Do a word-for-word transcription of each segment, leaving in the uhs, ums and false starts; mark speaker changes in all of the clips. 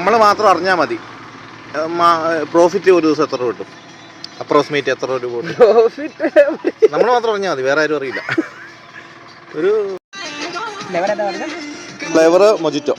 Speaker 1: നമ്മൾ മാത്രം അറിഞ്ഞാൽ മതി. പ്രോഫിറ്റ് ഒരു ദിവസം എത്ര രൂപ കിട്ടും? അപ്രോക്സിമേറ്റ് എത്ര രൂപ കിട്ടും? നമ്മൾ മാത്രം അറിഞ്ഞാൽ മതി, വേറെ ആരും അറിയില്ല. ഒരു ഫ്ലേവർ മൊജിറ്റോ.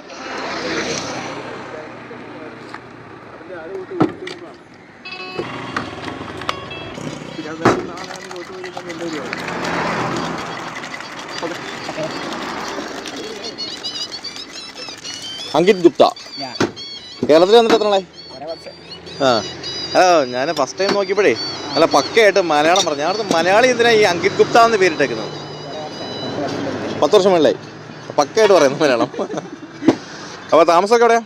Speaker 1: അങ്കിത് ഗുപ്ത കേരളത്തിൽ വന്നിട്ട് എത്ര നാളായി? ആ ആ ഞാൻ ഫസ്റ്റ് ടൈം നോക്കിയപ്പോഴേ അല്ല പക്കയായിട്ട് മലയാളം പറഞ്ഞു. ഞാൻ മലയാളി എന്തിനാ ഈ അങ്കിത് ഗുപ്ത എന്ന് പേരിട്ടേക്കുന്നത്? പത്ത് വർഷം മുകളിലായി പക്കയായിട്ട് പറയുന്നു മലയാളം. അപ്പോൾ താമസമൊക്കെ എവിടെയാ?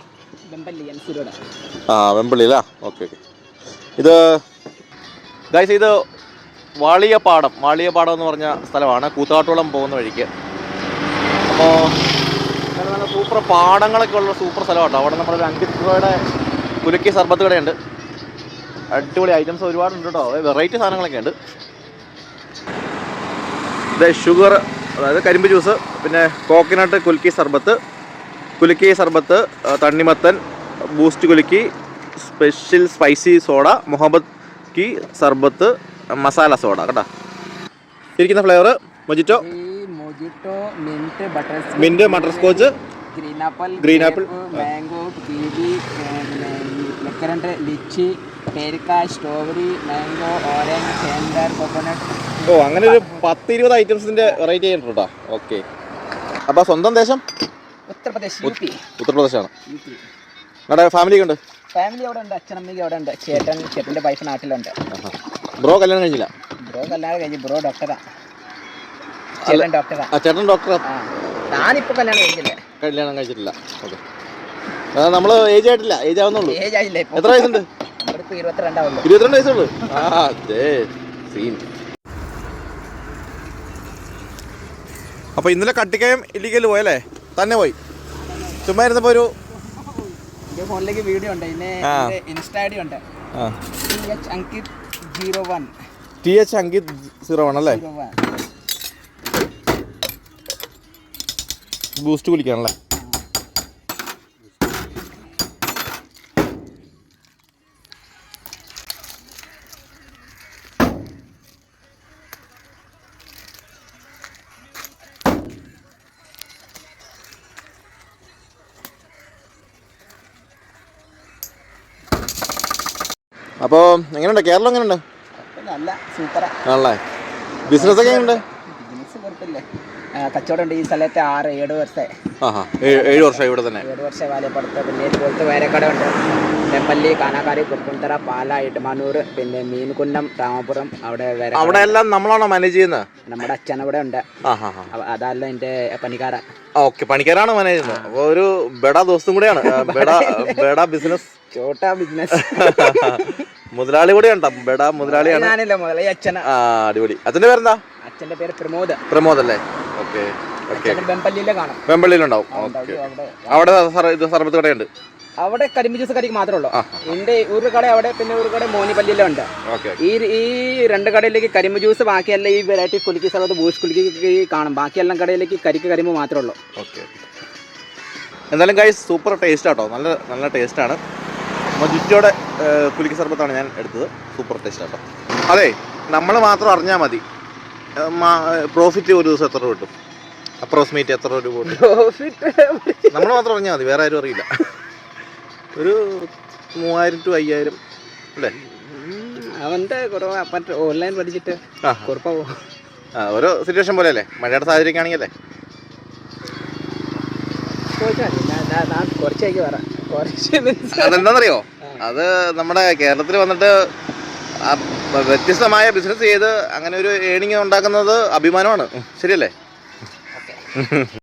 Speaker 1: ആ വെമ്പള്ളി അല്ലേ? Okay okay. ഇത് ഗൈസ് ഇത് വാളിയപ്പാടം. വാളിയപ്പാടം എന്ന് പറഞ്ഞ സ്ഥലമാണ്, കൂത്താട്ടോളം പോകുന്ന വഴിക്ക്. അപ്പോൾ നല്ല സൂപ്പർ പാടങ്ങളൊക്കെ ഉള്ള സൂപ്പർ സ്ഥലമാണ്. അവിടെ നമ്മളൊരു അങ്കിത് രൂപയുടെ കുലുക്കി സർബത്ത് കടയുണ്ട്. അടിപൊളി ഐറ്റംസ് ഒരുപാടുണ്ട് കേട്ടോ, വെറൈറ്റി സാധനങ്ങളൊക്കെ ഉണ്ട്. ഇത് ഷുഗർ, അതായത് കരിമ്പ് ജ്യൂസ്, പിന്നെ കോക്കനട്ട് കുലുക്കി സർബത്ത്, കുലുക്കി സർബത്ത്, തണ്ണിമത്തൻ, ബൂസ്റ്റ് കുലുക്കി, സ്പെഷ്യൽ സ്പൈസി സോഡ, മുഹമ്മദ് കി സർബത്ത്, മസാല സോഡ കേട്ടോ. ഇരിക്കുന്ന flavour mojito,
Speaker 2: mojito, mint, butter
Speaker 1: mint butterscotch,
Speaker 2: green apple,
Speaker 1: green apple,
Speaker 2: mango, kiwi, ലെക്കറന്റ്, ലിച്ചി, പേരിക്ക, സ്ട്രോബെറി, മാംഗോ, ഓറഞ്ച്, ചേന്തർ, കോക്കനട്ട്.
Speaker 1: ഓ അങ്ങനെ ഒരു പത്ത് ഇരുപത് ഐറ്റംസിന്റെ വെറൈറ്റി ആയിട്ട് കേട്ടോ. ഓക്കെ. അപ്പോൾ സ്വന്തം ദേശം
Speaker 2: ഉത്തർപ്രദേശ്, യു പി.
Speaker 1: ഉത്തർപ്രദേശാണ്. നമ്മുടെ ഫാമിലി ഉണ്ട്?
Speaker 2: ഫാമിലി അവിടെ ഉണ്ട്, അച്ഛനമ്മയ്ക്ക് അവിടെ ഉണ്ട്, ചേട്ടൻ ചേട്ടൻ്റെ വൈഫ് നാട്ടിലുണ്ട്.
Speaker 1: ബ്രോ കല്യാണം കഴിഞ്ഞില്ല?
Speaker 2: ബ്രോ കല്യാണം കഴിഞ്ഞു, ബ്രോ ഡോക്ടറാ. ചേട്ടൻ ഡോക്ടറാ.
Speaker 1: ചേട്ടൻ ഡോക്ടറാ.
Speaker 2: ഞാനിപ്പോൾ കല്യാണം കഴിച്ചില്ലേ?
Speaker 1: കല്യാണം കഴിച്ചിട്ടില്ല. ഓക്കെ. നമ്മൾ ഏജ് ആയിട്ടില്ല, ഏജ് ആവുന്നുള്ളൂ.
Speaker 2: ഏജ് ആയില്ലേ?
Speaker 1: എത്ര വയസ്സുണ്ട്?
Speaker 2: നമ്മളിപ്പോൾ ഇരുപത്തിരണ്ടാവുള്ളൂ.
Speaker 1: ഇരുപത്തിരണ്ട് വയസ്സുള്ളൂ. ആ സീൻ. അപ്പോൾ ഇന്നലെ കട്ടിക്കയം ഇല്ലിക്കൽ പോയല്ലേ? തന്നെ പോയി ചുമ്മാ ഇരുന്നപ്പോൾ ഒരു
Speaker 2: എൻ്റെ ഫോണിലേക്ക് വീഡിയോ ഉണ്ട്, പിന്നെ ഇൻസ്റ്റാ ഐ ഡി ഉണ്ട്. T H Ankit zero one.
Speaker 1: T H Ankit zero one അല്ലേ? ബൂസ്റ്റ് കുലിക്കാണല്ലേ? അപ്പോൾ എങ്ങനെയുണ്ട് കേരളം? എങ്ങനെയുണ്ട്?
Speaker 2: നല്ല സൂപ്പറാ
Speaker 1: ആണല്ലേ? ബിസിനസ് ഒക്കെ എങ്ങനെയുണ്ട്?
Speaker 2: ബിസിനസ് കുഴപ്പമില്ല, കച്ചവടം ഉണ്ട് ഈ സ്ഥലത്ത്. ആറ് ഏഴ് വർഷമായി.
Speaker 1: ആ ഏഴ് വർഷമായി ഇവിടെ തന്നെ.
Speaker 2: ഏഴ് വർഷമായി വാലപ്പുറത്ത്. പിന്നെ ഇതുപോലത്തെ വേറെ കട ഉണ്ട്, നെപ്പല്ലി, കാനാക്കാരി, കുറുപ്പുംതറ, പാല, ഇട്ടമാനൂർ, പിന്നെ മീൻകുന്നം, രാമപുരം. അവിടെ വേറെ
Speaker 1: അവിടെ എല്ലാം നമ്മളാണോ മാനേജ് ചെയ്യുന്നത്?
Speaker 2: നമ്മുടെ അച്ഛൻ അവിടെ ഉണ്ട്. അതല്ല എൻ്റെ പണിക്കാര.
Speaker 1: ഓക്കെ, പണിക്കാരാണ് മാനേജ് ചെയ്യുന്നത്. അപ്പോൾ ഒരു ബെഡ ദോസ്തും കൂടെയാണ്. ബെഡ ബെഡ ബിസിനസ്,
Speaker 2: ചോട്ടാ ബിസിനസ്.
Speaker 1: മുതലാളി കൂടെയാണ്. ബെഡ മുതലാളിയാണ്.
Speaker 2: ഞാനില്ല, മുതലാളി അച്ഛനാ.
Speaker 1: ആ അടിപൊളി. അച്ഛൻ്റെ പേരെന്താ?
Speaker 2: അച്ഛൻ്റെ പേര് പ്രമോദ്.
Speaker 1: പ്രമോദ് അല്ലേ? Okay okay.
Speaker 2: വെമ്പള്ളിയിലെ കാണാം.
Speaker 1: വെമ്പള്ളിയിലുണ്ടാവും. ഓക്കെ. അവിടെ ഇത് സർബത്ത് കടയുണ്ട്.
Speaker 2: അവിടെ കരിമ്പ് ജ്യൂസ് കടയ്ക്ക് മാത്രമേ ഉള്ളൂ. എൻ്റെ ഒരു കട അവിടെ, പിന്നെ ഒരു കട മോനിപ്പള്ളിയിലുണ്ട്. ഈ ഈ രണ്ട് കടയിലേക്ക് കരിമ്പ് ജ്യൂസ്, ബാക്കിയെല്ലാം ഈ വെറൈറ്റി കുലുക്കി സർബത്ത്, ബൂസ്റ്റ് കുലുക്കി കാണും. ബാക്കിയെല്ലാം കടയിലേക്ക് കരിക്ക് കരിമ്പ് മാത്രമേ ഉള്ളൂ.
Speaker 1: ഓക്കെ. എന്തായാലും ഗൈസ് സൂപ്പർ ടേസ്റ്റ് ആട്ടോ, നല്ല നല്ല ടേസ്റ്റാണ്. മൊജിറ്റോയുടെ കുലുക്കി സർബത്താണ് ഞാൻ എടുത്തത്. സൂപ്പർ ടേസ്റ്റ് ആട്ടോ. അതെ, നമ്മൾ മാത്രം അറിഞ്ഞാൽ മതി. പ്രോഫിറ്റ് ഒരു ദിവസം എത്ര രൂപ കിട്ടും? അപ്രോക്സിമേറ്റ് എത്ര രൂപ കിട്ടും? നമ്മൾ മാത്രം അറിഞ്ഞാൽ മതി, വേറെ ആരും അറിയില്ല. ഒരു മൂവായിരം ടു അയ്യായിരം അല്ലേ?
Speaker 2: അവൻ്റെ കുറവ് മറ്റേ ഓൺലൈൻ പഠിച്ചിട്ട് കുറപ്പാവോ?
Speaker 1: ആ ഓരോ സിറ്റുവേഷൻ പോലെ അല്ലേ? മഴയുടെ സാഹചര്യമൊക്കെ ആണെങ്കിലല്ലേ?
Speaker 2: കുറച്ചേക്ക് പറയാം.
Speaker 1: അതെന്താണെന്നറിയോ? അത് നമ്മുടെ കേരളത്തിൽ വന്നിട്ട് വ്യത്യസ്തമായ ബിസിനസ് ചെയ്ത് അങ്ങനെ ഒരു ഏണിങ് ഉണ്ടാക്കുന്നത് അഭിമാനമാണ്. ശരിയല്ലേ?